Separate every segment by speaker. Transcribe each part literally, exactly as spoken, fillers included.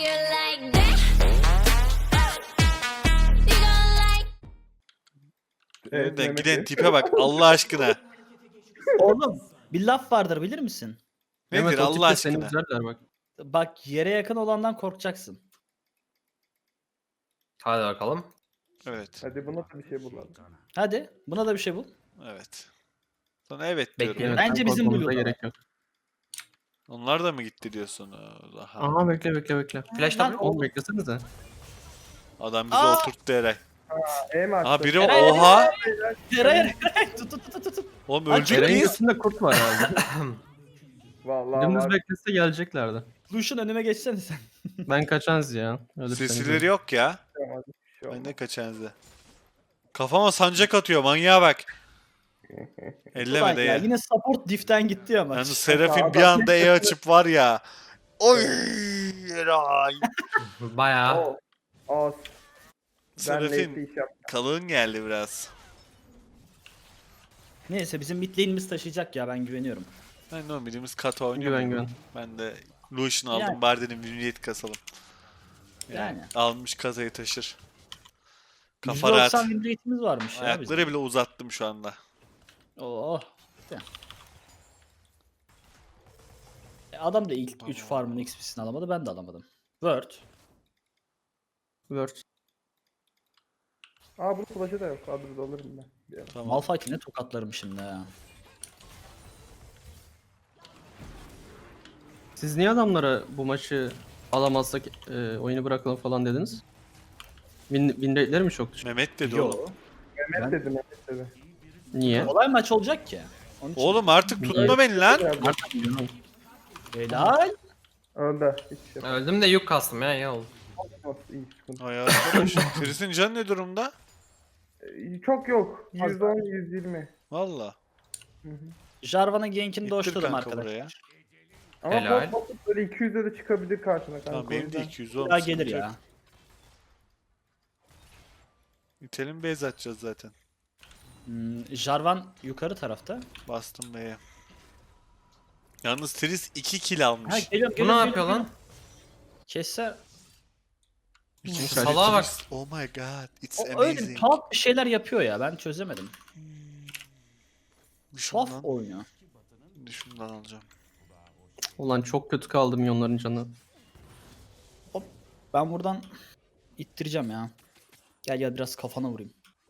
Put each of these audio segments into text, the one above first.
Speaker 1: you like that? You gonna like
Speaker 2: Evet,
Speaker 3: Önünden
Speaker 2: Mehmet'i.
Speaker 3: giden tipe bak Allah aşkına.
Speaker 4: Oğlum bir laf vardır bilir misin?
Speaker 3: Nedir
Speaker 2: Mehmet o
Speaker 3: Allah
Speaker 2: tipte seni
Speaker 3: aşkına?
Speaker 2: üzerler bak.
Speaker 4: Bak yere yakın olandan korkacaksın.
Speaker 5: Hadi bakalım.
Speaker 3: Evet.
Speaker 6: Hadi buna da bir şey bulalım.
Speaker 4: Hadi buna da bir şey bul.
Speaker 3: Evet. Sana evet diyorum.
Speaker 5: Bekleyelim.
Speaker 2: Evet,
Speaker 4: Bence
Speaker 2: sen
Speaker 4: bizim
Speaker 2: korkmamıza
Speaker 4: Blue'da
Speaker 2: gerek yok.
Speaker 3: Onlar da mı gitti diyorsun? Aha.
Speaker 2: Aha bekle bekle bekle.
Speaker 5: Flash
Speaker 4: Lan
Speaker 5: W.
Speaker 2: Oğlum beklesenize.
Speaker 3: Adam bizi
Speaker 4: Aa!
Speaker 3: oturttu Eray.
Speaker 6: E mi
Speaker 3: Aha
Speaker 6: attı?
Speaker 3: biri
Speaker 4: Eray,
Speaker 3: oha.
Speaker 4: Eray Eray tut tut tut tut, tut.
Speaker 3: Oğlum
Speaker 4: Lan
Speaker 3: ölecek
Speaker 2: Eren'in
Speaker 3: miyiz?
Speaker 2: götünde kurt var herhalde.
Speaker 6: Vallahi
Speaker 2: Dümdüz
Speaker 6: var.
Speaker 2: beklese geleceklerdi.
Speaker 4: Lucian önüme geçsene sen.
Speaker 2: Ben kaçanız ya. Öyle
Speaker 3: Sesileri yok ya.
Speaker 6: Hadi bir şey
Speaker 3: Ben
Speaker 6: olmaz.
Speaker 3: ne kaçanızı. Kafama sancak atıyor manyağa bak. Elleme
Speaker 4: Ulan
Speaker 3: de
Speaker 4: ya,
Speaker 3: ya.
Speaker 4: yine support diff'ten gitti ya maç.
Speaker 3: Yalnız Serafin bir anda E açıp var ya. Oy Eray.
Speaker 5: Bayağı.
Speaker 6: O. O. Ben
Speaker 3: Serafin
Speaker 6: neyse iş yaptım.
Speaker 3: kalın geldi biraz.
Speaker 4: Neyse bizim mid lane'imiz taşıyacak ya ben güveniyorum.
Speaker 3: Ben de o birimiz kata oynuyor.
Speaker 2: Güven,
Speaker 3: mu?
Speaker 2: güven.
Speaker 3: Ben de Lucian aldım
Speaker 4: Yani.
Speaker 3: bari dedim Vignette kasalım.
Speaker 4: Yani.
Speaker 3: Almış kasayı taşır. Kafa
Speaker 4: yüzde
Speaker 3: rahat.
Speaker 4: doksan win rate'imiz varmış ya bizim.
Speaker 3: Ayakları bile uzattım şu anda.
Speaker 4: Oh. De. E, Adam da ilk üç farmın X P'sini alamadı ben de alamadım. Word.
Speaker 2: Word.
Speaker 6: Aa bunun flash'ı da yok. Kadroda alırım ben. Bir ara.
Speaker 3: Tamam.
Speaker 4: Malphite'i ne tokatlarım şimdi ya.
Speaker 2: Siz niye adamlara bu maçı alamazsak e, oyunu bırakalım falan dediniz? Win, win rate'leri mi çok düşük?
Speaker 3: Mehmet dedi
Speaker 4: Yo.
Speaker 3: oğlum.
Speaker 6: Mehmet
Speaker 4: Ben-
Speaker 6: dedi Mehmet dedi.
Speaker 2: Niye?
Speaker 4: Kolay maç olacak ki. Onun için.
Speaker 3: Oğlum artık tutma beni lan.
Speaker 2: Artık bilmiyorum.
Speaker 4: Helal.
Speaker 6: Öldü. Hiç şey yapamaz.
Speaker 5: Öldüm de yük kastım ya iyi oldu.
Speaker 6: İyi sıkıntı.
Speaker 3: Ay arkadaş. Chris'in canı ne durumda?
Speaker 6: Ee, Çok yok. yüz on yüz yirmi.
Speaker 3: Valla.
Speaker 6: Hı hı.
Speaker 4: Jarvan'ın gankini
Speaker 3: İttir
Speaker 4: doşladım
Speaker 3: kanka
Speaker 4: arkadaşlar.
Speaker 3: buraya.
Speaker 6: Ama
Speaker 5: Helal.
Speaker 6: pop pop böyle iki yüze de çıkabilir karşına kanka.
Speaker 3: Tamam
Speaker 6: o
Speaker 3: benim de
Speaker 6: yüzden.
Speaker 3: iki yüz olmuş.
Speaker 4: Ya gelir ya.
Speaker 3: İtelim base atacağız zaten.
Speaker 4: Hmm, Jarvan yukarı tarafta.
Speaker 3: Bastım B'ye. Yalnız Tris iki kill almış.
Speaker 4: Ha geliyorum
Speaker 5: Bu
Speaker 4: geliyorum.
Speaker 5: ne yapıyor lan?
Speaker 4: Kesse
Speaker 3: İkinci
Speaker 5: Salaha bak.
Speaker 3: Tris. Oh my god. It's
Speaker 4: o öyle
Speaker 3: amazing.
Speaker 4: tuhaf bir şeyler yapıyor ya ben çözemedim. Tuhaf
Speaker 3: Şundan,
Speaker 4: oynuyor.
Speaker 3: şundan alacağım.
Speaker 2: Ulan çok kötü kaldı milyonların canı.
Speaker 4: Ben buradan ittireceğim ya. Gel gel biraz kafana vurayım.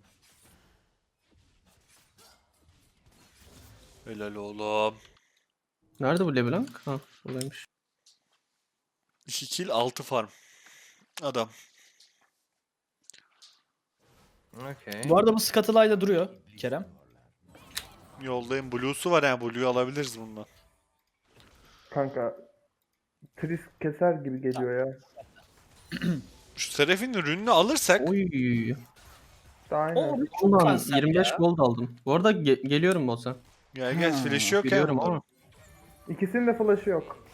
Speaker 3: Helal oğlum.
Speaker 2: Nerede bu LeBlanc? Ha buradaymış.
Speaker 3: iki kill altı farm. Adam.
Speaker 5: Okey.
Speaker 4: Bu arada bu Scuttle'ayla duruyor Kerem.
Speaker 3: Yoldayım. Blue'su var yani. Blue'yu alabiliriz bundan.
Speaker 6: Kanka. Tris keser gibi geliyor ya.
Speaker 3: Şu Seraph'in ürününü alırsak
Speaker 2: Oy.
Speaker 6: Daha
Speaker 4: O
Speaker 6: aynen.
Speaker 4: çok
Speaker 2: Ulan
Speaker 4: kanser
Speaker 2: yirmi beş
Speaker 4: ya.
Speaker 2: gold aldım. Bu arada ge- geliyorum boss'a.
Speaker 3: gel gel
Speaker 4: Ha,
Speaker 3: flash yok ya
Speaker 2: Biliyorum
Speaker 3: bunların.
Speaker 2: ama.
Speaker 6: İkisinin de flash'ı yok.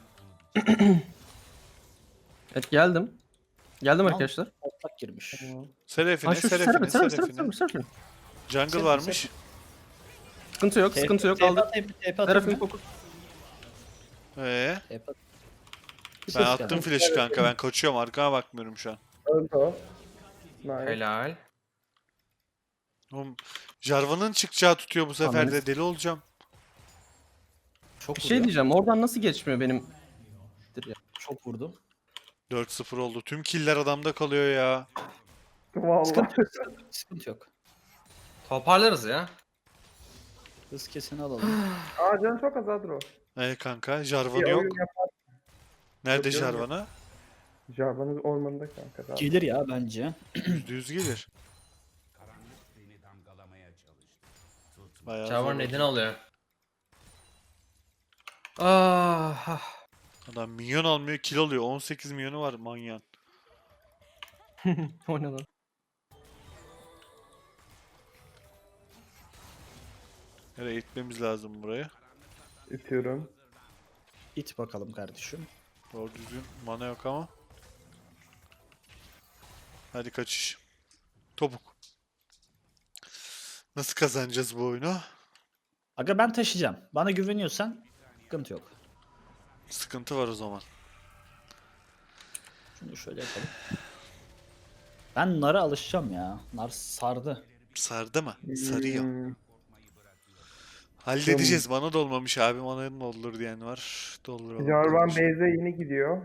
Speaker 2: Evet geldim. Geldim
Speaker 4: Tamam.
Speaker 2: arkadaşlar.
Speaker 4: Otlak girmiş.
Speaker 3: Seraphine,
Speaker 2: Ha şu
Speaker 3: Seraphine,
Speaker 2: Serap'in, Serap'in, Serap'in,
Speaker 3: Seraphine.
Speaker 2: Serap'in.
Speaker 3: Jungle
Speaker 4: Serap'in,
Speaker 3: varmış.
Speaker 2: Sıkıntı yok, sıkıntı yok aldık. Serap'in fokus.
Speaker 3: Ee,
Speaker 4: Bir
Speaker 3: ben
Speaker 4: ses
Speaker 3: attım
Speaker 4: geldi.
Speaker 3: flash'ı kanka. Ben kaçıyorum. Arkama bakmıyorum şu an.
Speaker 6: Öldü o. Nice.
Speaker 5: Helal.
Speaker 3: Oğlum, Jarvan'ın çıkacağı tutuyor bu sefer
Speaker 2: Anladım.
Speaker 3: de. Deli olacağım.
Speaker 4: Çok
Speaker 2: Bir
Speaker 4: vurdu.
Speaker 2: şey diyeceğim oradan nasıl geçmiyor benim?
Speaker 4: Çok vurdu.
Speaker 3: dört sıfır oldu. Tüm killer adamda kalıyor ya.
Speaker 6: Vallahi.
Speaker 4: Sıkıntı yok. sıkıntı- Sıkıntı yok.
Speaker 5: Toparlarız ya.
Speaker 4: Hız keseni alalım.
Speaker 6: Aa canı çok az Adro.
Speaker 3: Ee kanka
Speaker 6: Bir
Speaker 3: Jarvan'ı yok.
Speaker 6: oyun yapar.
Speaker 3: Nerede
Speaker 6: Yok, yok, yok.
Speaker 3: Jarvan'a?
Speaker 6: Jarvan'ın ormanında kanka. Daha.
Speaker 4: Gelir ya bence.
Speaker 3: Yüzde yüz gelir. Bayağı
Speaker 5: Çavar
Speaker 3: zor.
Speaker 5: nedeni alıyor. Ah. ah.
Speaker 3: Adam milyon almıyor kill alıyor. on sekiz milyonu var manyan.
Speaker 2: O ne lan?
Speaker 3: Nereye gitmemiz lazım buraya.
Speaker 6: İtiyorum.
Speaker 4: İt bakalım kardeşim.
Speaker 3: Doğru düzgün mana yok ama. Hadi kaçış. Topuk. Nasıl kazanacağız bu oyunu?
Speaker 4: Aga ben taşıyacağım. Bana güveniyorsan sıkıntı yok.
Speaker 3: Sıkıntı var o zaman.
Speaker 4: Şunu şöyle yapalım. Ben Nar'a alışacağım ya. Nar sardı.
Speaker 3: Sardı mı? Sarıyor.
Speaker 6: Hmm,
Speaker 3: Halledeceğiz. Bana da olmamış abi. Bana da olur diyen var. Dolduralım.
Speaker 6: Jarvan
Speaker 3: kardeşim.
Speaker 6: base'e yeni gidiyor.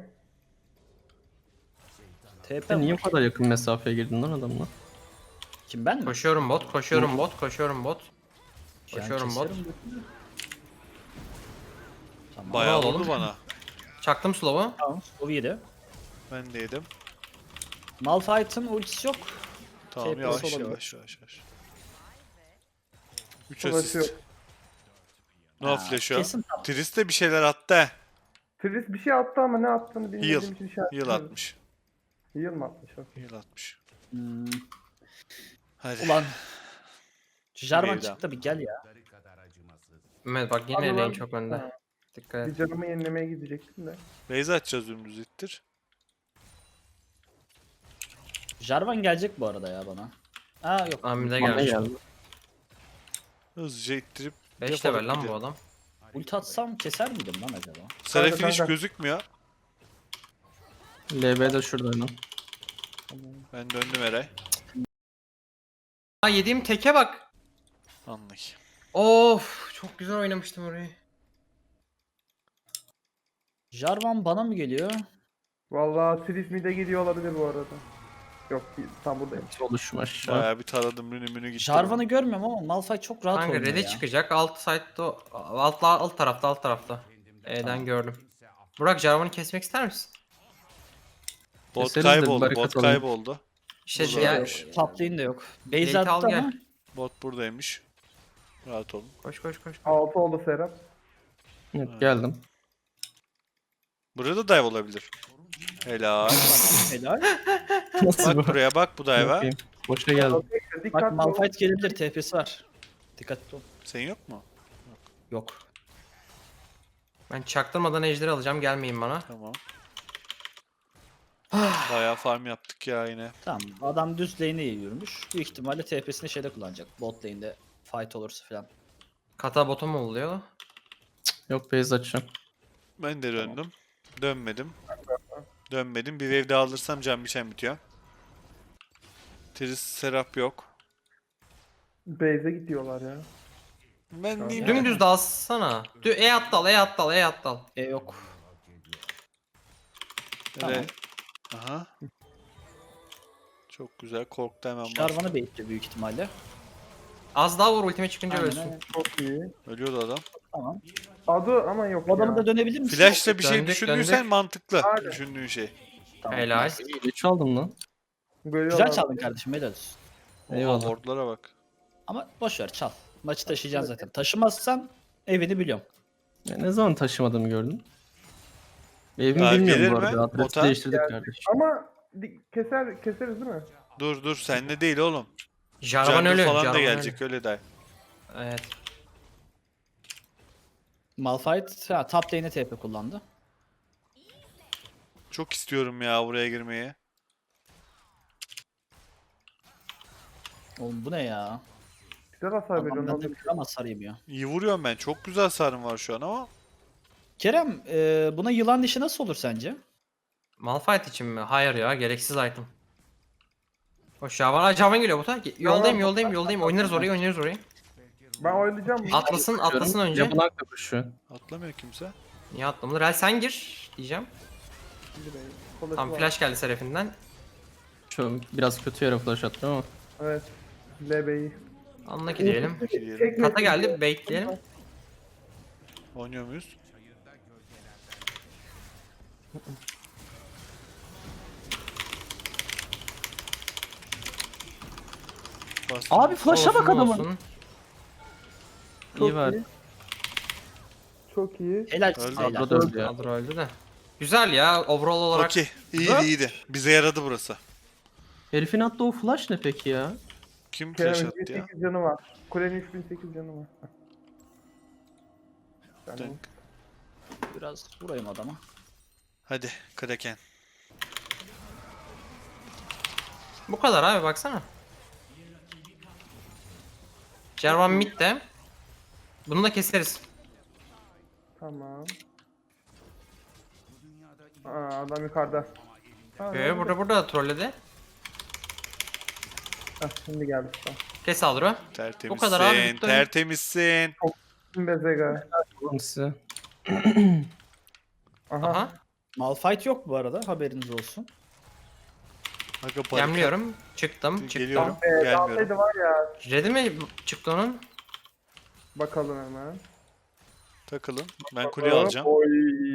Speaker 4: T P
Speaker 2: Sen niye
Speaker 4: var.
Speaker 2: o kadar yakın mesafeye girdin lan adamla?
Speaker 4: Kim ben mi?
Speaker 5: Koşuyorum bot, koşuyorum bot, koşuyorum bot.
Speaker 4: Yani
Speaker 5: Koşuyorum bot.
Speaker 4: keserim götünü. Tamam.
Speaker 3: Bayağı
Speaker 5: Bravo
Speaker 3: oldu
Speaker 5: oğlum.
Speaker 3: bana.
Speaker 5: Çaktım slow'u.
Speaker 4: Tamam. O yedi.
Speaker 3: Ben de yedim.
Speaker 4: Malphite'ın ultisi yok.
Speaker 3: Tamam
Speaker 4: T P'si
Speaker 3: yavaş
Speaker 4: olabilir.
Speaker 3: yavaş yavaş yavaş. üç
Speaker 6: Flash'ı
Speaker 3: asist.
Speaker 6: yok.
Speaker 3: No
Speaker 4: Ha,
Speaker 3: flash o.
Speaker 4: Kesin top.
Speaker 3: Tris de bir şeyler attı he.
Speaker 6: Tris bir şey attı ama ne attığını bilmediğim
Speaker 3: Heal.
Speaker 6: için şey
Speaker 3: Heal
Speaker 6: yapmıyorum.
Speaker 3: atmış.
Speaker 6: Heal mı atmış? Okey.
Speaker 3: Heal atmış.
Speaker 4: Hmm,
Speaker 3: Hadi.
Speaker 4: ulan. Jarvan
Speaker 3: Wave'den.
Speaker 4: çıktı bir gel ya.
Speaker 5: Mehmet bak yine
Speaker 6: Abi ben-
Speaker 5: lane çok önde.
Speaker 6: Ha,
Speaker 5: Dikkat
Speaker 6: bir
Speaker 5: et.
Speaker 6: canımı yenilemeye gidecektim de.
Speaker 3: Base atacağız dümdüz ittir.
Speaker 4: Jarvan gelecek bu arada ya bana. Aa yok.
Speaker 5: Amide
Speaker 2: Bana
Speaker 5: gelmiş.
Speaker 2: geldi.
Speaker 3: Hızlıca ittirip
Speaker 5: beş
Speaker 3: defolup
Speaker 5: level lan bu
Speaker 3: gidelim.
Speaker 5: adam.
Speaker 4: Ulti atsam keser miydim lan acaba?
Speaker 3: Serafin
Speaker 6: Kanka,
Speaker 3: hiç
Speaker 6: kanka.
Speaker 3: gözükmüyor.
Speaker 2: L B de şurada hemen.
Speaker 3: Ben döndüm Eray.
Speaker 5: Aa yediğim teke bak.
Speaker 3: Anlık.
Speaker 5: Of çok güzel oynamıştım orayı.
Speaker 4: Jarvan bana mı geliyor?
Speaker 6: Vallahi Tris mid'e gidiyor olabilir bu arada. Yok tam buradaymış.
Speaker 2: Oluşum aşağı.
Speaker 3: Bayağı bir taradım münü münü gitti.
Speaker 4: Jarvan'ı görmüyorum ama Malphite çok rahat
Speaker 5: Kanka
Speaker 4: oynuyor
Speaker 5: red'e
Speaker 4: ya.
Speaker 5: çıkacak. Alt side'da alt, alt tarafta alt tarafta. E'den gördüm. Burak Jarvan'ı kesmek ister misin?
Speaker 3: Bot
Speaker 2: Keseriz de
Speaker 3: kayboldu.
Speaker 2: barikat
Speaker 3: Bot
Speaker 2: alayım.
Speaker 3: kayboldu.
Speaker 5: İşte
Speaker 3: Burada
Speaker 5: ya,
Speaker 3: varmış.
Speaker 4: Top lane de yok. Base
Speaker 5: Gate'i al
Speaker 4: attı
Speaker 5: gel.
Speaker 4: ama
Speaker 3: Bot buradaymış. Rahat olun.
Speaker 5: koş koş koş.
Speaker 6: altı oldu Serap.
Speaker 2: Evet, geldim.
Speaker 3: Burada dive olabilir. Helal.
Speaker 4: helal.
Speaker 2: Nasıl
Speaker 3: Bak
Speaker 2: bu?
Speaker 3: buraya bak bu dive'a.
Speaker 2: Bakayım. Boşa geldim.
Speaker 4: Bak
Speaker 6: Dikkat ol.
Speaker 4: Malphite gelebilir, T P'si var. Dikkatli ol.
Speaker 3: Senin yok mu?
Speaker 4: Yok.
Speaker 5: Ben çaktırmadan ejderi alacağım gelmeyin bana.
Speaker 3: Tamam. Bayağı farm yaptık ya yine.
Speaker 4: Tamam. Adam düz lane'e yürümüş. Büyük ihtimalle T P'sini şeyde kullanacak. Bot lane'de fight olursa falan.
Speaker 5: Kata bota mı oluyor?
Speaker 2: Yok base açacağım.
Speaker 3: Ben de döndüm. Dönmedim. Dönmedim. Bir wave daha alırsam can biçen bitiyor. Tris Serap yok.
Speaker 6: Base'e gidiyorlar ya.
Speaker 3: Ben niye
Speaker 5: Dümdüz dalsana. Dü E at dal, E at dal, E at dal.
Speaker 4: E yok.
Speaker 3: Böyle- Aha. Çok güzel. Korktu hemen bastı.
Speaker 4: Jarvan'ı baitli büyük ihtimalle.
Speaker 5: Az daha vur ultime çıkınca
Speaker 4: Aynen,
Speaker 5: ölsün.
Speaker 4: aynen.
Speaker 6: Çok iyi.
Speaker 3: Ölüyordu adam.
Speaker 4: Tamam.
Speaker 6: Adı ama yok
Speaker 4: Bu adamı
Speaker 6: ya.
Speaker 4: da dönebilir misin?
Speaker 3: Flash'la bir şey
Speaker 5: Döndük,
Speaker 3: düşündüysen
Speaker 5: döndük.
Speaker 3: mantıklı.
Speaker 6: Aynen.
Speaker 3: Düşündüğün şey.
Speaker 4: Tamam.
Speaker 5: Helal.
Speaker 2: İyi çaldım lan.
Speaker 6: Görüyorlar.
Speaker 4: Güzel çaldın kardeşim, helal olsun.
Speaker 3: Oha
Speaker 2: Eyvallah.
Speaker 3: wardlara bak.
Speaker 4: Ama boş ver çal. Maçı taşıyacaksın zaten. Taşımazsan evini biliyorum.
Speaker 2: Ya ne zaman taşımadığımı gördün? Evimi
Speaker 3: Ya
Speaker 2: bilmiyorum
Speaker 3: gelir
Speaker 2: bu
Speaker 3: mi?
Speaker 2: arada. Adresi
Speaker 3: Bota?
Speaker 2: değiştirdik
Speaker 6: Geldi.
Speaker 2: kardeşim.
Speaker 6: Ama di- keser keseriz değil mi?
Speaker 3: Dur dur senle değil oğlum.
Speaker 5: Jarvan
Speaker 3: Jungle
Speaker 5: ölü.
Speaker 3: falan da
Speaker 5: Jarvan
Speaker 3: gelecek öyle de.
Speaker 5: ölü. Evet.
Speaker 4: Malphite ha, top lane'e T P kullandı.
Speaker 3: Çok istiyorum ya buraya girmeyi.
Speaker 4: Oğlum bu ne ya?
Speaker 6: Güzel hasar
Speaker 4: Adam
Speaker 6: veriyorsun.
Speaker 4: benden
Speaker 6: oğlum.
Speaker 4: kıram hasar yemiyor.
Speaker 3: İyi vuruyorum ben. Çok güzel hasarım var şu an ama.
Speaker 4: Kerem e, buna yılan dişi nasıl olur sence?
Speaker 5: Malphite için mi? Hayır ya gereksiz item. O Jarvan, Aa, Jarvan geliyor bota. Ge- Yoldayım yoldayım yoldayım. Oynarız orayı oynarız orayı.
Speaker 6: Ben oynayacağım.
Speaker 5: Atlasın atlasın önce.
Speaker 2: Yapılan kapışıyor.
Speaker 3: Atlamıyor kimse.
Speaker 5: Niye atlamadı? Rel sen gir diyeceğim. Tam flash geldi Seraph'inden.
Speaker 2: Şu biraz kötü yere flash attım ama.
Speaker 6: Evet. L B'yi.
Speaker 5: Anla ki diyelim.
Speaker 3: Gidelim.
Speaker 5: Kata geldi baitleyelim.
Speaker 3: Oynuyor muyuz? Bastım.
Speaker 4: Abi flash'a bak
Speaker 5: Olsun,
Speaker 4: adamın.
Speaker 5: olsun.
Speaker 2: İyi var.
Speaker 6: Çok iyi.
Speaker 4: Helal.
Speaker 3: Öldü.
Speaker 4: helal.
Speaker 2: Kadro da öldü ya.
Speaker 5: Kadro öldü de. Güzel ya overall olarak.
Speaker 3: Okey. İyiydi iyiydi. Bize yaradı burası.
Speaker 2: Herifin attığı o flash ne peki ya?
Speaker 3: Kim flash
Speaker 6: Kerem'in
Speaker 3: attı ya?
Speaker 6: sekiz canı var. Kulenin üç bin sekiz canı var. Yani
Speaker 3: Dön.
Speaker 4: Biraz vurayım adama.
Speaker 3: Hadi Kraken.
Speaker 5: Bu kadar abi baksana. Jarvan mid de. Bunu da keseriz.
Speaker 6: tamam. Aa, adam yukarıda.
Speaker 5: Ee, burada burada da trolledi.
Speaker 6: Heh, şimdi geldi işte.
Speaker 5: Kes Aldro.
Speaker 3: Tertemizsin.
Speaker 5: Bu kadar abi, bitti oyun.
Speaker 3: Tertemizsin.
Speaker 6: Şimdi Bezega.
Speaker 2: Oğlum size.
Speaker 6: Aha.
Speaker 5: Aha.
Speaker 4: Malphite yok bu arada, haberiniz olsun.
Speaker 3: Aga barikat.
Speaker 5: Yemliyorum. Çıktım. Çıktım.
Speaker 3: Geliyorum.
Speaker 6: Ee,
Speaker 3: Gelmiyorum.
Speaker 6: dalsaydı var ya.
Speaker 5: Red'i mi çıktı onun?
Speaker 6: Bakalım hemen.
Speaker 3: Takılın. Ben kuleyi alacağım.
Speaker 6: Oy.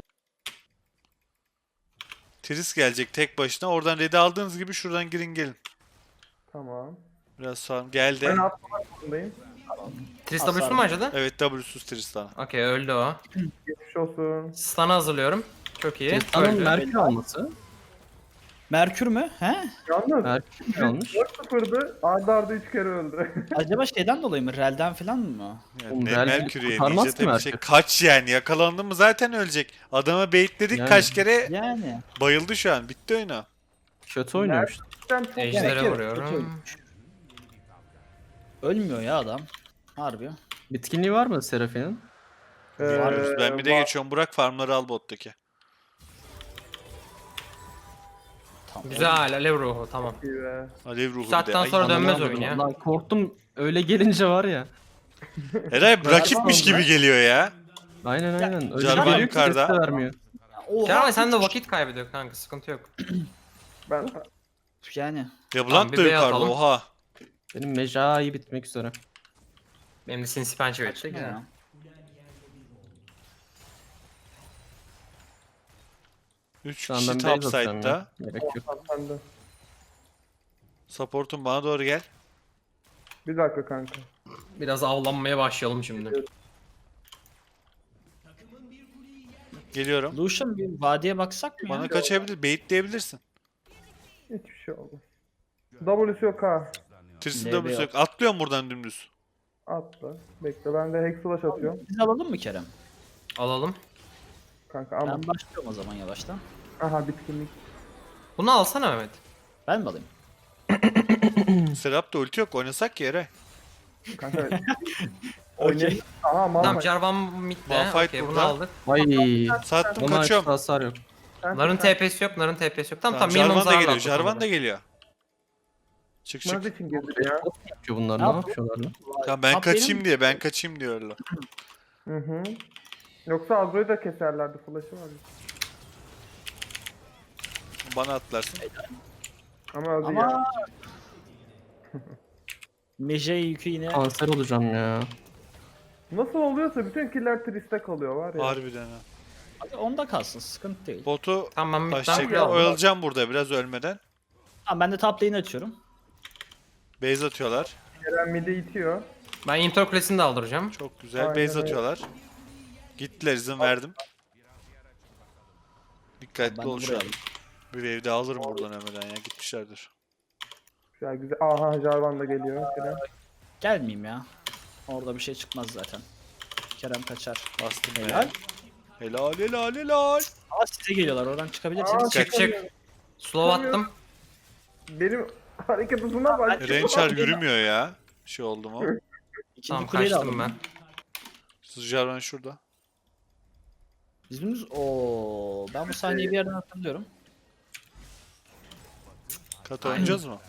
Speaker 3: Tris gelecek tek başına. Oradan red'i aldığınız gibi şuradan girin gelin.
Speaker 6: Tamam.
Speaker 3: Biraz sağ geldi.
Speaker 6: Ben atlamak zorundayım.
Speaker 5: Tris
Speaker 4: Hasar
Speaker 5: W'su mu acıdı?
Speaker 3: Evet W'suz Tristan.
Speaker 5: Okey öldü o.
Speaker 6: Geçmiş olsun.
Speaker 5: Stun'ı hazırlıyorum. Çok iyi.
Speaker 2: Tristan'ın
Speaker 5: Öldü.
Speaker 2: Merkür alması.
Speaker 4: Merkür mü? He?
Speaker 6: Yalnız
Speaker 2: Merkür almış.
Speaker 6: dört sıfırdı. Arda arda üç kere öldü.
Speaker 4: Acaba şeyden dolayı mı? Rel'den falan mı?
Speaker 3: Yani
Speaker 2: Oğlum,
Speaker 3: ne
Speaker 2: Real
Speaker 3: Merkür'ü
Speaker 2: kurtarmaz
Speaker 3: yemeyecek
Speaker 2: ki
Speaker 3: tabii şey.
Speaker 2: Merkür.
Speaker 3: Kaç yani yakalandı mı zaten ölecek. Adama baitledik
Speaker 2: Yani.
Speaker 3: kaç kere
Speaker 4: Yani.
Speaker 3: bayıldı şu an. Bitti oyunu.
Speaker 2: Kötü oynuyormuş.
Speaker 6: Sen çok
Speaker 5: Ejder'e
Speaker 4: Gerek yok,
Speaker 5: vuruyorum.
Speaker 4: kötü. Ölmüyor ya adam. Harbi.
Speaker 2: Bitkinliği var mı Seraphinin?
Speaker 6: Ee,
Speaker 3: Varız. Ben bir de
Speaker 6: var.
Speaker 3: geçiyorum. Burak farmları al bottaki.
Speaker 4: Tamam.
Speaker 5: Güzel alev ruhu tamam.
Speaker 6: İyi be.
Speaker 3: Alev ruhu
Speaker 5: Bu
Speaker 3: bir de.
Speaker 5: saatten
Speaker 3: Ay,
Speaker 5: sonra dönmez
Speaker 2: Anlamadım.
Speaker 5: oyun ya.
Speaker 2: Lan korktum öyle gelince var ya.
Speaker 3: Eray rakipmiş gibi geliyor ya.
Speaker 2: Aynen aynen. Öyle
Speaker 3: Jarvan
Speaker 2: geliyor ki
Speaker 3: yukarıda.
Speaker 2: ses de vermiyor.
Speaker 4: Oha.
Speaker 5: Kerem sen de vakit kaybediyor kanka sıkıntı yok.
Speaker 6: Ben
Speaker 4: Yani.
Speaker 3: Ya
Speaker 5: Tamam,
Speaker 3: Blanc
Speaker 5: bir
Speaker 3: da
Speaker 5: B
Speaker 3: yukarıda
Speaker 5: atalım.
Speaker 3: oha.
Speaker 2: Benim mecai bitmek üzere.
Speaker 5: Benim de sinsi pençe verecek.
Speaker 4: Güzel.
Speaker 5: Ya.
Speaker 3: üç
Speaker 2: Şu an
Speaker 3: kişi
Speaker 2: ben
Speaker 3: top
Speaker 2: base atıyorum
Speaker 3: side'da.
Speaker 2: ya. Gerek yok.
Speaker 6: sende.
Speaker 3: Support'un bana doğru gel.
Speaker 6: Bir dakika kanka.
Speaker 5: Biraz avlanmaya başlayalım şimdi.
Speaker 3: Geliyorum.
Speaker 4: Lucian bir vadiye baksak mı
Speaker 3: Bana
Speaker 4: ya?
Speaker 3: kaçabilir, baitleyebilirsin.
Speaker 6: Hiçbir şey oldu. W'su yok ha.
Speaker 3: Tristan
Speaker 4: L B
Speaker 3: W'su
Speaker 4: yok.
Speaker 3: yok. Atlıyorum buradan dümdüz.
Speaker 6: Atla. Bekle ben de Hex Flash atıyorum.
Speaker 4: Biz alalım mı Kerem?
Speaker 5: Alalım.
Speaker 6: Kanka ama.
Speaker 4: Ben başlıyorum o zaman yavaştan.
Speaker 6: Aha bitkinlik.
Speaker 5: Bunu alsana Mehmet.
Speaker 4: Ben mi alayım?
Speaker 3: Serap da ulti yok. Oynasak ki Eray.
Speaker 6: Kanka.
Speaker 4: Okey.
Speaker 6: Aha
Speaker 5: Tamam
Speaker 6: Malphite.
Speaker 5: Jarvan midde.
Speaker 3: Malphite
Speaker 5: Okey bunu
Speaker 3: burada.
Speaker 5: aldık.
Speaker 2: Vay.
Speaker 3: Sattım
Speaker 2: Ona
Speaker 3: kaçıyorum.
Speaker 2: hasar yok.
Speaker 5: Narın T P'si yok, narın T P'si yok. Tamam
Speaker 3: Tamam,
Speaker 5: tamam, minimum
Speaker 3: Jarvan da
Speaker 5: zararla
Speaker 3: geliyor.
Speaker 5: attık
Speaker 3: Jarvan
Speaker 5: onları.
Speaker 3: da geliyor. Çık çık.
Speaker 6: Çıkmaz için girdik ya.
Speaker 2: Ne yapıyor bunlar?
Speaker 4: Ne
Speaker 2: Ne
Speaker 4: yapıyor?
Speaker 2: yapıyorlar lan?
Speaker 3: Tamam ben
Speaker 4: Top
Speaker 3: kaçayım
Speaker 4: benim-
Speaker 3: diye. Ben kaçayım diyorlar.
Speaker 6: Hı hı. Yoksa Azro'yu da keserlerdi. Flash'ı var.
Speaker 3: Bana atlarsın.
Speaker 6: Ama öldü ya.
Speaker 4: Ama... Meje yükü yine...
Speaker 2: Kanser olacağım ya.
Speaker 6: Nasıl oluyorsa bütün killer Trist'te kalıyor var ya.
Speaker 3: Harbiden ha.
Speaker 4: Hadi onda kalsın, sıkıntı değil.
Speaker 3: Botu
Speaker 5: Tamam ben midden
Speaker 3: başlayacak.
Speaker 5: kule aldım.
Speaker 3: Oyalayacağım burada biraz ölmeden.
Speaker 4: Tamam ben de top lane'i açıyorum.
Speaker 3: Base atıyorlar.
Speaker 6: Kerem midi itiyor.
Speaker 5: Ben Inter Kulesi'ni de aldıracağım.
Speaker 3: Çok güzel.
Speaker 6: Aynen
Speaker 3: Base
Speaker 6: öyle.
Speaker 3: atıyorlar. Gittiler izin verdim. Dikkatli
Speaker 4: Ben de
Speaker 3: ol şu
Speaker 4: buraya
Speaker 3: an.
Speaker 4: alayım.
Speaker 3: Bir wave de alırım buradan hemen ya. Gitmişlerdir.
Speaker 6: Güzel güzel. Aha Jarvan da geliyor. Kerem.
Speaker 4: Gelmeyeyim ya. Orada bir şey çıkmaz zaten. Kerem kaçar.
Speaker 3: Bastım be.
Speaker 4: Helal.
Speaker 3: Helal helal helal.
Speaker 4: Aa size geliyorlar, oradan
Speaker 6: Aa,
Speaker 4: çıkabilirsiniz.
Speaker 5: Çık çık. Slow attım.
Speaker 6: Benim hareket hızına bak.
Speaker 3: Rençar yürümüyor ya. Bir şey oldu mu?
Speaker 4: İkinci
Speaker 5: Tamam
Speaker 4: kuleyi de
Speaker 5: kaçtım
Speaker 4: aldım.
Speaker 5: ben.
Speaker 3: Jarvan şurada.
Speaker 4: Bizim ooo ben bu sahneyi bir yerden hatırlıyorum.
Speaker 3: Kat oynayacağız mı?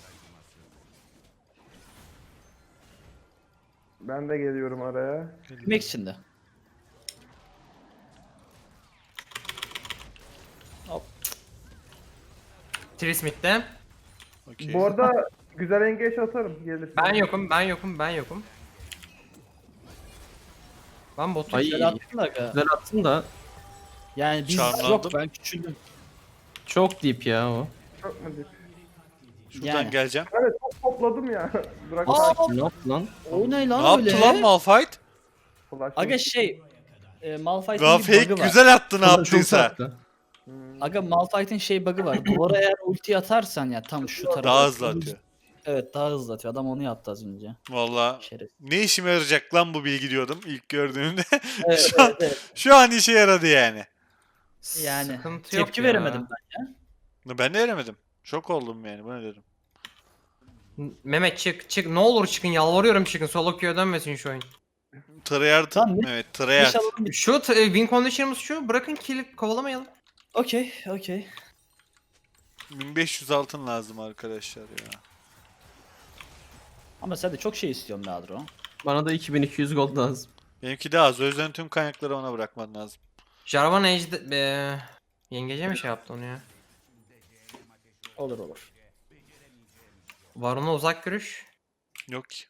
Speaker 6: Ben de geliyorum araya.
Speaker 4: Bilmek için de.
Speaker 5: Tris midde.
Speaker 3: Okey.
Speaker 6: Bu arada güzel engage atarım gelirsin.
Speaker 5: Ben yokum, ben yokum, ben yokum. Ben botu
Speaker 2: Ay.
Speaker 4: Güzel attın da aga.
Speaker 2: Güzel attın da
Speaker 4: Yani biz
Speaker 3: Charmlandım.
Speaker 4: yok, ben küçüldüm.
Speaker 2: çok deep ya o.
Speaker 6: Çok mu dip?
Speaker 3: Şuradan
Speaker 4: Yani.
Speaker 3: geleceğim.
Speaker 6: Evet çok topladım ya. Bırak
Speaker 4: Aa!
Speaker 6: sakin.
Speaker 2: Ne yaptı lan?
Speaker 4: O ne lan
Speaker 3: Ne
Speaker 4: öyle?
Speaker 3: yaptı lan Malphite?
Speaker 6: Flash.
Speaker 4: Aga şey, e, Malphite'in
Speaker 3: Daha
Speaker 4: bir
Speaker 3: fake
Speaker 4: bug'ı var.
Speaker 3: güzel attı ne
Speaker 2: Çok
Speaker 3: yaptıysa.
Speaker 2: tatlı.
Speaker 6: Hmm.
Speaker 4: Aga Malphite'in şey bug'ı var. Duvara eğer ulti atarsan ya tam şu tarafa.
Speaker 3: Daha hızlı atıyor.
Speaker 4: Evet daha hızlı atıyor. Adam onu yaptı az önce.
Speaker 3: Valla
Speaker 4: Şeref.
Speaker 3: ne işime yarayacak lan bu bilgi diyordum ilk gördüğümde.
Speaker 4: Evet,
Speaker 3: Şu an-
Speaker 4: evet, evet.
Speaker 3: Şu an işe yaradı yani.
Speaker 4: Yani
Speaker 5: Sıkıntı yok
Speaker 4: tepki
Speaker 5: ya.
Speaker 4: veremedim ben.
Speaker 3: Ben de veremedim. Şok oldum yani bu ne dedim.
Speaker 5: Mehmet çık çık ne olur çıkın yalvarıyorum çıkın solo queue'ya dönmesin şu oyun.
Speaker 3: Tryhard.
Speaker 4: Lan ne-
Speaker 3: Evet Tryhard.
Speaker 4: İnşallah bir...
Speaker 5: Şu t- win condition'ımız şu bırakın kill kovalamayalım.
Speaker 4: Okey, okey.
Speaker 3: bin beş yüz altın lazım arkadaşlar ya.
Speaker 4: Ama sen de çok şey istiyorsun be Adro.
Speaker 2: Bana da iki bin iki yüz gold lazım.
Speaker 3: Benimki de az. O yüzden tüm kaynakları ona bırakman lazım.
Speaker 5: Jarvan Ejde... Be... Yengece mi şey yaptı onu ya?
Speaker 4: Olur olur.
Speaker 5: Varun'a uzak görüş.
Speaker 3: Yok ki.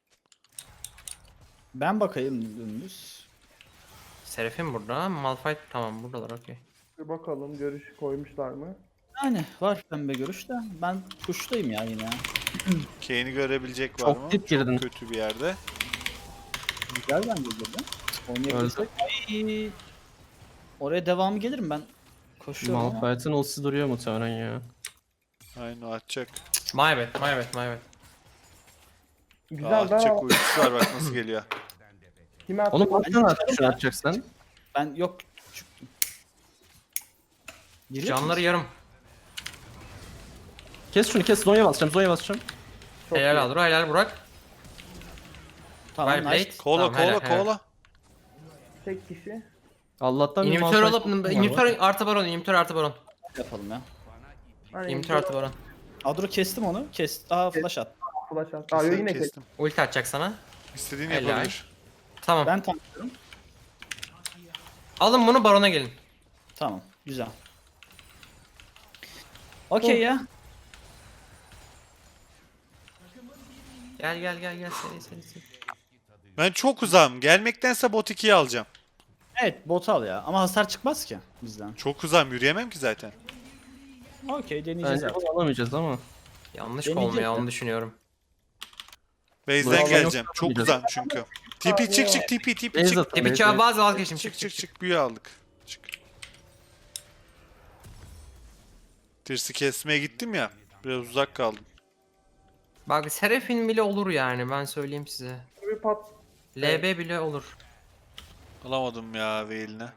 Speaker 4: Ben bakayım dümdüz.
Speaker 5: Seraphim burada. Malphite tamam buradalar okey.
Speaker 6: Bir bakalım görüş koymuşlar mı?
Speaker 4: Yani var pembe görüş de. Ben kuştayım ya yine.
Speaker 3: Kane'i görebilecek var
Speaker 2: Çok
Speaker 3: mı?
Speaker 2: dip girdin.
Speaker 3: Kötü bir yerde.
Speaker 4: Güzel bence burada. Oynayabilirsek. Ay. Oraya devamı gelirim ben. Koşuyorum ama.
Speaker 2: Malphite'ın ultisi duruyor muhtemelen ya.
Speaker 3: Aynen o atacak.
Speaker 5: My bad, my bad, my bad.
Speaker 3: Aa,
Speaker 6: Güzel
Speaker 3: atacak
Speaker 6: daha
Speaker 3: ultisi var bak nasıl geliyor.
Speaker 6: kime attı?
Speaker 2: Oğlum atsana artık şunu atacaksan.
Speaker 4: Ben yok çıktım. Giriyor
Speaker 5: Canları
Speaker 4: musun?
Speaker 5: yarım.
Speaker 2: Kes şunu kes. Zonya basacağım. Zonya basacağım.
Speaker 6: Çok
Speaker 5: Helal
Speaker 6: iyi.
Speaker 5: Adro, helal Burak.
Speaker 4: Tamam
Speaker 5: Well
Speaker 4: nice.
Speaker 5: played.
Speaker 3: Kola
Speaker 5: Tamam, helal,
Speaker 3: kola
Speaker 5: helal.
Speaker 3: kola.
Speaker 6: Tek kişi.
Speaker 2: Allah'tan bir
Speaker 5: İnhibitör
Speaker 2: Malphite
Speaker 5: alıp,
Speaker 2: var.
Speaker 5: inhibitör artı baron, inhibitör artı baron.
Speaker 4: Yapalım ya.
Speaker 6: Aynen.
Speaker 5: İnhibitör artı baron.
Speaker 4: Adro kestim onu. Kes. Aa flash at.
Speaker 6: Flash at. Aa yine kes.
Speaker 3: kestim.
Speaker 5: Ulti atacak sana.
Speaker 3: İstediğini
Speaker 5: Helal.
Speaker 3: yapabilir.
Speaker 5: Tamam.
Speaker 4: Ben tanklıyorum.
Speaker 5: Alın bunu barona gelin.
Speaker 4: Tamam. Güzel. Okey ya.
Speaker 5: Gel gel gel gel seri seri seri.
Speaker 3: Ben çok uzağım. Gelmektense bot ikiyi alacağım.
Speaker 4: Evet bot al ya. Ama hasar çıkmaz ki bizden.
Speaker 3: Çok uzağım. Yürüyemem ki zaten.
Speaker 4: Okey deneyeceğiz
Speaker 2: Bence
Speaker 4: artık.
Speaker 2: bunu alamayacağız ama.
Speaker 5: Yanlış
Speaker 4: Deneyecek
Speaker 5: olmuyor
Speaker 4: ya.
Speaker 5: onu düşünüyorum.
Speaker 3: Base'den
Speaker 2: Bravo.
Speaker 3: geleceğim.
Speaker 2: Yok,
Speaker 3: Çok
Speaker 2: yok.
Speaker 3: uzağım çünkü. T P çık çık T P T P
Speaker 2: Base
Speaker 3: çık.
Speaker 2: atın.
Speaker 5: Tepi
Speaker 2: base,
Speaker 5: çağı
Speaker 2: base.
Speaker 5: bazı vazgeçtim çık
Speaker 3: Çık
Speaker 5: çık
Speaker 3: çık
Speaker 5: çık.
Speaker 3: çık büyü aldık. Çık. Tirsi kesmeye gittim ya. Biraz uzak kaldım.
Speaker 5: Bak Seraphim bile olur yani ben söyleyeyim size.
Speaker 6: Bir pat.
Speaker 5: L B bile olur.
Speaker 3: Alamadım ya Veil'ine.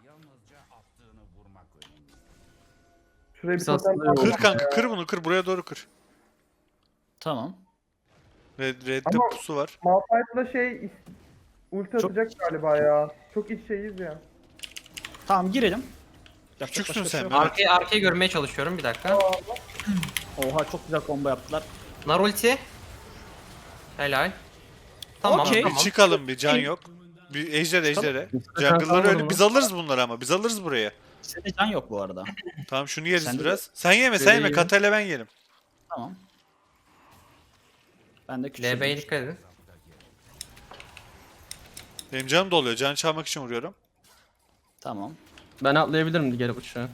Speaker 6: Şuraya bir
Speaker 2: Biz
Speaker 6: totem
Speaker 2: aslında
Speaker 6: atalım.
Speaker 3: Kır kanka kır bunu kır buraya doğru kır.
Speaker 4: Tamam.
Speaker 3: Red, red'de
Speaker 6: Ama-
Speaker 3: pusu var.
Speaker 6: Malphite'la şey is- ulti
Speaker 4: Çok-
Speaker 6: atacak galiba ya. Çok iç şeyiz ya.
Speaker 4: Tamam girelim. Yapacak
Speaker 3: Küçüksün
Speaker 4: başka bir şey
Speaker 3: sen
Speaker 4: yok.
Speaker 3: Mehmet.
Speaker 5: Arkayı arkayı görmeye çalışıyorum bir dakika.
Speaker 4: Oha çok güzel combo yaptılar.
Speaker 5: Nar ulti. Helal. Tamam
Speaker 4: Okey.
Speaker 3: Bir
Speaker 5: tamam.
Speaker 3: çıkalım bir can yok. Bir ejder ejdere.
Speaker 2: Sen
Speaker 3: Jungle'ları
Speaker 2: kalmadın
Speaker 3: öyle
Speaker 2: mı?
Speaker 3: biz alırız bunları ama biz alırız buraya.
Speaker 4: Senin can yok bu arada.
Speaker 3: Tamam şunu yeriz
Speaker 4: Sen de-
Speaker 3: biraz. Sen yeme sen
Speaker 2: Böyle
Speaker 3: yeme
Speaker 2: ye.
Speaker 3: Katayla ben yerim.
Speaker 4: Tamam. Ben de
Speaker 5: L
Speaker 4: küçüldüm.
Speaker 5: B'ye dikkat edin.
Speaker 3: Benim canım doluyor. Can çalmak için vuruyorum.
Speaker 4: Tamam.
Speaker 2: Ben atlayabilirim geri uçağa.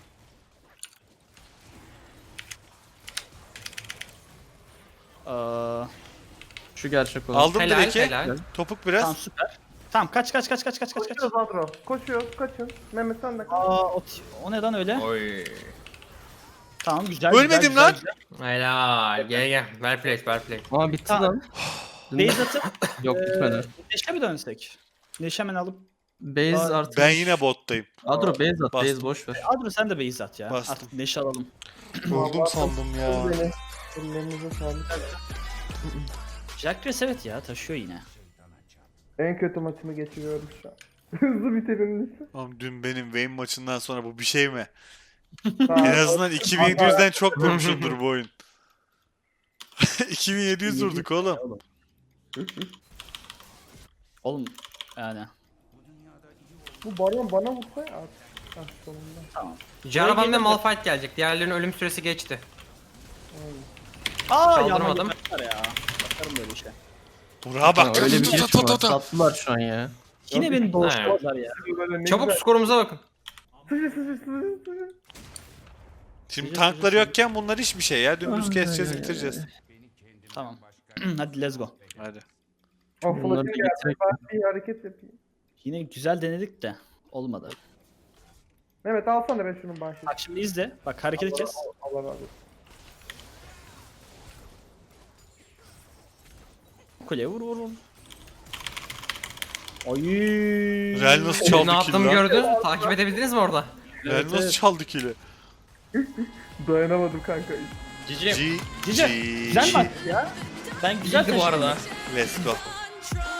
Speaker 4: Ee,
Speaker 2: Şu gerçek olan.
Speaker 3: Aldım
Speaker 5: Helal
Speaker 3: direkt.
Speaker 5: helal.
Speaker 3: Topuk biraz.
Speaker 4: tamam süper. Tamam kaç kaç kaç kaç kaç kaç kaç.
Speaker 6: Koşuyoruz Adro. Koşuyoruz kaçın. Mehmet sen de kaç.
Speaker 4: Aa o, o neden öyle?
Speaker 5: Oy.
Speaker 4: Tamam güzel.
Speaker 3: Ölmedim
Speaker 4: güzel,
Speaker 3: lan.
Speaker 4: Güzel,
Speaker 5: Helal. Gel gel. Well played, well played.
Speaker 2: Aa bitti
Speaker 4: Tamam.
Speaker 2: lan.
Speaker 4: güzel. Base atıp
Speaker 2: Yok bitmedi.
Speaker 4: Neşe mi dönsek? Neşe hemen alıp.
Speaker 2: Base
Speaker 4: Aa,
Speaker 2: artık.
Speaker 3: Ben yine bottayım.
Speaker 2: Adro base at.
Speaker 3: Bastım.
Speaker 2: Base boş ver.
Speaker 4: Adro sen de base at ya.
Speaker 3: Bastım.
Speaker 4: Artık neşe alalım.
Speaker 3: Öldüm sandım ya.
Speaker 6: Beni. Ellerinize sağlık.
Speaker 4: Jackres evet ya taşıyor yine.
Speaker 6: En kötü maçımı geçiriyorum şu an. Hızlı biterim lütfen.
Speaker 3: Oğlum dün benim Vayne maçından sonra bu bir şey mi?
Speaker 6: Tamam.
Speaker 3: En azından iki bin yedi yüzden çok vurmuşumdur bu oyun. iki bin yedi yüz vurduk oğlum.
Speaker 4: Oğlum yani.
Speaker 6: Bu baron bana vursa ya. Ah sonunda.
Speaker 4: Tamam.
Speaker 5: Jarvan ve
Speaker 4: gelir mi?
Speaker 5: Malphite gelecek. Diğerlerinin ölüm süresi geçti.
Speaker 4: Aa
Speaker 5: Kaldırmadım.
Speaker 4: yalan ya. Bakarım böyle işe.
Speaker 3: Burak'a bak.
Speaker 2: Ha, öyle bir
Speaker 3: Ta ta
Speaker 2: geç
Speaker 3: ta
Speaker 2: var.
Speaker 3: ta ta.
Speaker 2: Tatlılar şu an ya.
Speaker 4: Yine beni doğuşturdular ya.
Speaker 6: Böyle ne
Speaker 5: Çabuk
Speaker 6: güzel.
Speaker 5: skorumuza bakın.
Speaker 6: Sıçı sıçı sıçı sıçı.
Speaker 3: Şimdi tankları yokken bunlar hiçbir şey ya. Dümdüz keseceğiz bitireceğiz.
Speaker 4: Tamam. Hadi let's go.
Speaker 3: Hadi.
Speaker 6: Ah
Speaker 2: Bunları
Speaker 6: flash'ım
Speaker 2: bir
Speaker 6: geldi.
Speaker 2: getirek.
Speaker 6: Ben bir hareket yapayım.
Speaker 4: Yine güzel denedik de olmadı.
Speaker 6: Mehmet alsana be şunun bahşişini.
Speaker 4: Bak şimdi izle. Bak hareketi kes.
Speaker 6: Allah razı olsun.
Speaker 4: Kuleye vur vur vur. Ay.
Speaker 3: Real nasıl
Speaker 5: Ne
Speaker 3: çaldı
Speaker 5: yaptığımı
Speaker 3: kill'i lan?
Speaker 5: gördün. Takip edebildiniz mi orada?
Speaker 3: Real
Speaker 4: Evet,
Speaker 3: nasıl
Speaker 4: evet.
Speaker 3: çaldı kill'i?
Speaker 6: Dayanamadım kanka.
Speaker 5: Cici.
Speaker 3: G
Speaker 4: Cici.
Speaker 3: G
Speaker 4: Güzel maç ya. Ben güzel
Speaker 5: Güzeldi bu
Speaker 4: taşıdım.
Speaker 5: arada.
Speaker 3: Let's go.
Speaker 1: Control.